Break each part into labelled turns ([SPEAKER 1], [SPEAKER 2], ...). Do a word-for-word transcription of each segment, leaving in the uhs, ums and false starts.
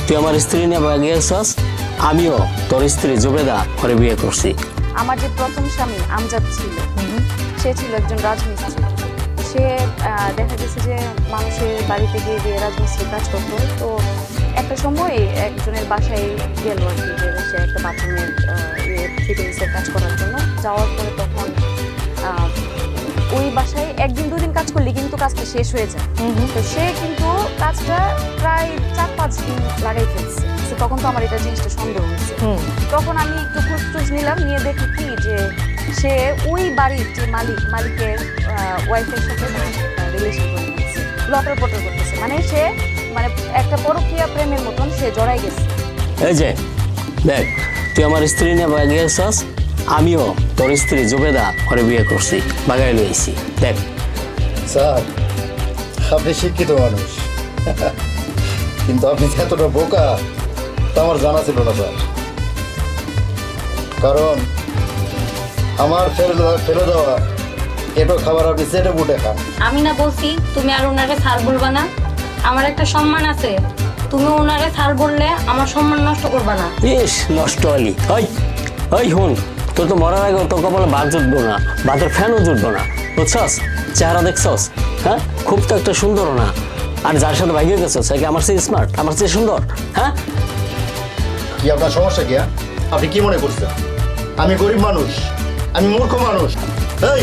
[SPEAKER 1] তুই আমার স্ত্রী নিয়ে বাগে গেছস, আমিও তোর স্ত্রী জুবেদা করে বিয়ে করছি।
[SPEAKER 2] আমার যে প্রথম স্বামী আমজাদ ছিল, সে ছিল একজন রাজমিস্ত্রি। সে দেখা গেছে যে মানুষের বাড়িতে গিয়ে গিয়ে রাজমিস্ত্রি কাজ করতো। তো একটা সময় একজনের বাসায় গেল আর কি, যে সে একটা বাথরুমের ইয়ে ফিটিংসের কাজ করার জন্য যাওয়ার পরে তখন ওই বাসায় একদিন দুদিন কাজ করলে কিন্তু কাজটা শেষ হয়ে যায়। তো সে কিন্তু কাজটা প্রায় চার পাঁচ দিন লাগাই ফেলছে। তখন তো আমার এটা জিনিসটা সন্দেহ হয়েছে। তখন আমি একটু খোঁজ টোজ নিলাম, নিয়ে দেখি কি যে সে ওই বাড়ির যে মালিক মালিকের ওয়াইফের সাথে রিলেশন করে নিচ্ছে, লটর পটর করতেছে। মানে সে মানে একটা পরকীয়া প্রেমের মতন সে জড়াই গেছে।
[SPEAKER 1] এই যে দেখ, তুই আমার স্ত্রী নিয়ে বাগে গেছস, আমিও তোর স্ত্রী জুবেদা করে বিয়ে করছি, বাগাই লইছি। দেখ
[SPEAKER 3] স্যার, আপনি শিক্ষিত মানুষ, কিন্তু আপনি এতটা বোকা তা আমার জানা ছিল না স্যার। কারণ আমার ফেলে ফেলে দেওয়া এটো খাবার আপনি চেটে বুটে খান।
[SPEAKER 4] আমি না বলছি তুমি আর ওনারে স্যার বলবা না? আমার একটা সম্মান আছে, তুমি ওনারে স্যার বললে আমার সম্মান নষ্ট করবা না।
[SPEAKER 1] ইস নষ্ট হলি। ওই ওই হুন, তোর তো মরার আগে তোর কপালে বাদ জুটবো না, বাদের ফ্যানও জুটবো না, বুঝছস? চেহারা দেখছস? হ্যাঁ, খুব তো একটা সুন্দর না। আর যার সাথে ভাগিয়ে গেছস সে কি আমার চেয়ে স্মার্ট, আমার চেয়ে সুন্দর? হ্যাঁ,
[SPEAKER 3] কি আপনার সমস্যা কি? আপনি কি মনে করছেন আমি গরিব মানুষ, আমি মূর্খ মানুষ? এই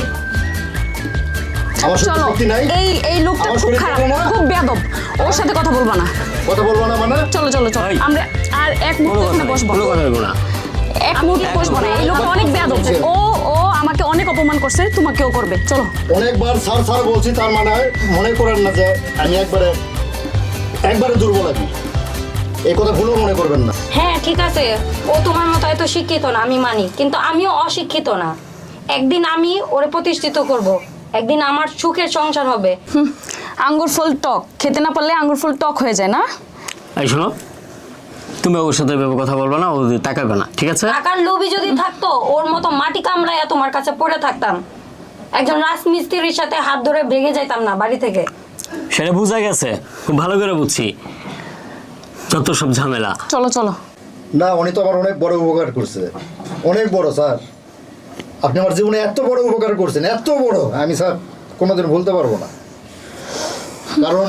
[SPEAKER 3] আমার
[SPEAKER 2] চলো,
[SPEAKER 3] শক্তি নাই,
[SPEAKER 2] এই এই লোকটা
[SPEAKER 3] আমার
[SPEAKER 2] খুব
[SPEAKER 3] শরীর
[SPEAKER 2] খারাপ,
[SPEAKER 3] চলে না?
[SPEAKER 2] খুব বেয়াদব। ওর সাথে কথা বলবা না।
[SPEAKER 3] কথা বলবো না মানে?
[SPEAKER 2] চলো চলো চলো,
[SPEAKER 1] এই।
[SPEAKER 2] আমরা আর এক
[SPEAKER 1] কোনো
[SPEAKER 2] মুহূর্ত
[SPEAKER 1] কথা
[SPEAKER 2] এখানে
[SPEAKER 1] নেই,
[SPEAKER 2] বসবো।
[SPEAKER 1] কোনো কথা হইব না।
[SPEAKER 2] এক মুহূর্ত বসবো না। এই লোকটা অনেক বেয়াদব। ও ও আমাকে অনেক অপমান করছে, তোমাকেও করবে। চলো।
[SPEAKER 3] অনেকবার স্যার স্যার বলছি, তার মানে মনে করেন না যে আমি একবারে একবারে দুর্বল আছি, এই কথা ভুলও মনে করবেন না।
[SPEAKER 4] হ্যাঁ ঠিক আছে, ও তোমার মতো এত শিক্ষিত না, আমি মানি, কিন্তু আমিও অশিক্ষিত না। একদিন আমি ওরে প্রতিষ্ঠিত করব, একদিন আমার সুখের সংসার হবে।
[SPEAKER 2] আঙ্গুর ফল টক, খেতে না পারলে আঙ্গুর ফল টক হয়ে যায় না?
[SPEAKER 1] এই শোনো, তুমি ওর সাথে এভাবে কথা বলবে না, ও তাকাবে না, ঠিক আছে?
[SPEAKER 4] টাকার লোভী যদি থাকতো ওর মতো মাটি কামড়াইয়া তোমার কাছে পড়ে থাকতাম, একজন রাজমিস্ত্রির সাথে হাত ধরে ভেঙে যাইতাম না বাড়ি থেকে।
[SPEAKER 1] সেটা বুঝা গেছে, খুব ভালো করে বুঝছি, যত সব ঝামেলা।
[SPEAKER 2] চলো চলো।
[SPEAKER 3] না, উনি তো আমার অনেক বড় উপকার করছে, অনেক বড় স্যার। আপনি আমার জীবনে এত বড় উপকার করছেন, এত বড়, আমি স্যার কোনোদিন ভুলতে পারবো না। কারণ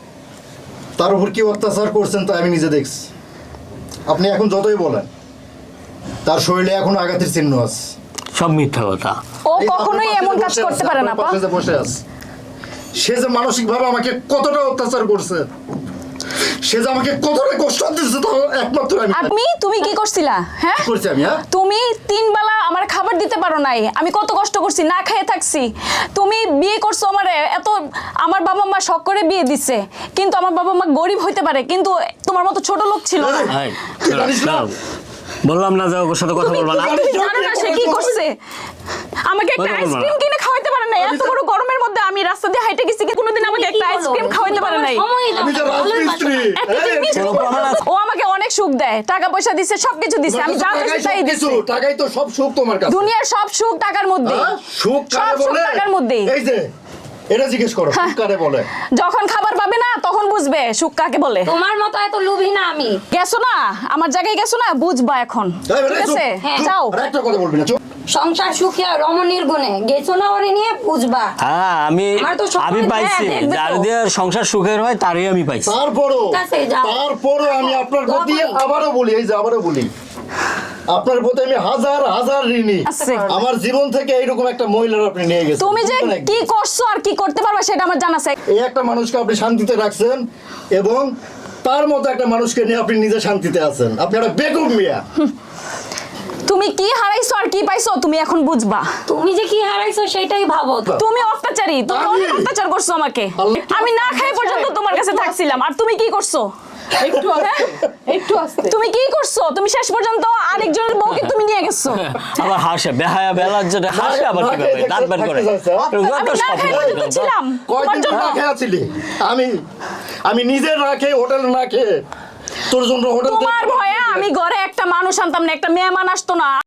[SPEAKER 3] তার উপর কি অত্যাচার করছেন তা আমি নিজে দেখছি। আপনি এখন যতই বলেন, তার শরীরে এখনো আঘাতের চিহ্ন আছে।
[SPEAKER 1] সব মিথ্যা কথা।
[SPEAKER 2] ও
[SPEAKER 3] এই
[SPEAKER 2] কখনোই
[SPEAKER 3] আপনার
[SPEAKER 2] এমন
[SPEAKER 3] পাশে
[SPEAKER 2] কাজ
[SPEAKER 3] বসে
[SPEAKER 2] করতে
[SPEAKER 3] আছে,
[SPEAKER 2] পারে না।
[SPEAKER 3] আপনার পাশে যে বসে আছে, সে যে মানসিকভাবে আমাকে কতটা অত্যাচার করছে, সে যে আমাকে কতটা কষ্ট দিচ্ছে, তো একমাত্র আমি
[SPEAKER 2] আপনি তুমি কি করছিলা? হ্যাঁ,
[SPEAKER 3] করছি আমি। হ্যাঁ,
[SPEAKER 2] তুমি তিন বেলা আমার খাবার দিতে পারো নাই, আমি কত কষ্ট করছি, না খেয়ে থাকছি। তুমি বিয়ে করছো আমারে, এত আমার বাবা মা শখ করে বিয়ে দিচ্ছে, কিন্তু আমার বাবা মা গরিব হইতে পারে, কিন্তু তোমার মতো ছোট লোক ছিল না।
[SPEAKER 1] এই, দাঁড়াও। বললাম না যে ওর সাথে কথা বলবা না।
[SPEAKER 2] তুমি জানো না সে কি করছে? আমাকে একটা
[SPEAKER 1] কথা বলবো না।
[SPEAKER 2] আইসক্রিম কিনে খাওয়াইতে পারে নাই। এত বড় গরমের মধ্যে আমি রাস্তা দিয়ে হাইটে গেছি, কোনোদিন আমাকে একটা আইসক্রিম খাওয়াইতে পারে নাই।
[SPEAKER 3] আমি তো রাজমিস্ত্রি।
[SPEAKER 2] একটা
[SPEAKER 3] এই,
[SPEAKER 2] জিনিস
[SPEAKER 1] কোনো প্রমাণ আছে?
[SPEAKER 2] ও আমাকে অনেক সুখ দেয়, টাকা পয়সা দিচ্ছে, সবকিছু দিচ্ছে, আমি যা চাইছি তাই দিচ্ছি।
[SPEAKER 3] টাকাই তো সব সুখ তোমার কাছে।
[SPEAKER 2] দুনিয়ার সব সুখ টাকার মধ্যে।
[SPEAKER 3] হ্যাঁ? সুখ
[SPEAKER 2] সব
[SPEAKER 3] কারে
[SPEAKER 2] সুখ
[SPEAKER 3] বলে?
[SPEAKER 2] টাকার মধ্যেই।
[SPEAKER 3] এই যে এটা জিজ্ঞেস করো, সুখ কারে বলে?
[SPEAKER 2] যখন খাবার পাবে না তখন বুঝবে সুখ কাকে বলে।
[SPEAKER 4] তোমার মতো এত লোভী না আমি।
[SPEAKER 2] গেছো না আমার জায়গায়, গেছো না, বুঝবা এখন।
[SPEAKER 3] এই, এই,
[SPEAKER 2] ঠিক
[SPEAKER 3] চুপ,
[SPEAKER 2] আছে,
[SPEAKER 4] হ্যাঁ,
[SPEAKER 3] চুপ।
[SPEAKER 2] যাও।
[SPEAKER 3] আর একটা কথা বলবি না, চুপ।
[SPEAKER 4] সংসার সুখিয়া রমণীর গুণে গেছো না ওরে নিয়ে, বুঝবা।
[SPEAKER 1] হ্যাঁ, আমি
[SPEAKER 4] আমার তো সব
[SPEAKER 1] আমি
[SPEAKER 4] সময়
[SPEAKER 1] পাইছি,
[SPEAKER 4] হ্যাঁ, দেখবে
[SPEAKER 1] যার
[SPEAKER 4] তো।
[SPEAKER 1] দিয়ে সংসার সুখের হয় তারই আমি পাইছি।
[SPEAKER 3] তারপরও
[SPEAKER 4] ঠিক আছে, যাও।
[SPEAKER 3] তারপরও আমি আপনার প্রতি
[SPEAKER 4] দোয়া করি।
[SPEAKER 3] আবারও বলি, এই যে আবারও বলি, আপনার প্রতি আমি হাজার হাজার ঋণী।
[SPEAKER 2] আছে।
[SPEAKER 3] আমার জীবন থেকে এইরকম একটা মহিলার আপনি নিয়ে গেছেন।
[SPEAKER 2] তুমি যে
[SPEAKER 3] বুঝলেন একদম?
[SPEAKER 2] কি করছো আর কি করতে পারবে সেটা আমার জানা আছে।
[SPEAKER 3] এই একটা মানুষকে আপনি শান্তিতে রাখছেন, এবং তার মতো একটা মানুষকে নিয়ে আপনি নিজে শান্তিতে আছেন। আপনি একটা বেকুব মিয়া।
[SPEAKER 2] তুমি কি হারাইছো আর কি পাইছো তুমি এখন বুঝবা।
[SPEAKER 4] তুমি যে কি হারাইছো সেটাই ভাবো তো।
[SPEAKER 2] তুমি অত্যাচারী, তুমি
[SPEAKER 3] আমি-
[SPEAKER 2] অনেক অত্যাচার করছো আমাকে।
[SPEAKER 3] আল্লাহ-
[SPEAKER 2] আমি না খাই পর্যন্ত তোমার কাছে থাকছিলাম, আর তুমি কি করছো?
[SPEAKER 5] একটু আস্তে একটু আস্তে
[SPEAKER 2] তুমি কি করছো? তুমি শেষ পর্যন্ত আরেকজনের বউকে তুমি নিয়ে গেছো।
[SPEAKER 1] আবার হাসে, বেহায়া বেলার যেটা হাসে, আবার
[SPEAKER 3] না
[SPEAKER 1] কি
[SPEAKER 3] খেয়ে
[SPEAKER 1] করে দাঁত বের করে।
[SPEAKER 3] থাকতে চাচ্ছে, হ্যাঁ?
[SPEAKER 2] আমি না খাই পর্যন্ত ছিলাম তোমার
[SPEAKER 3] কয়দিন
[SPEAKER 2] জন্য।
[SPEAKER 3] না খেয়ে আছিলি? আমি আমি নিজে না খেয়ে, হোটেলে না খেয়ে, তোর জন্য হোটেল
[SPEAKER 2] তোমার ভয়ে আমি ঘরে একটা মানুষ আনতাম না, একটা মেহমান আসতো না।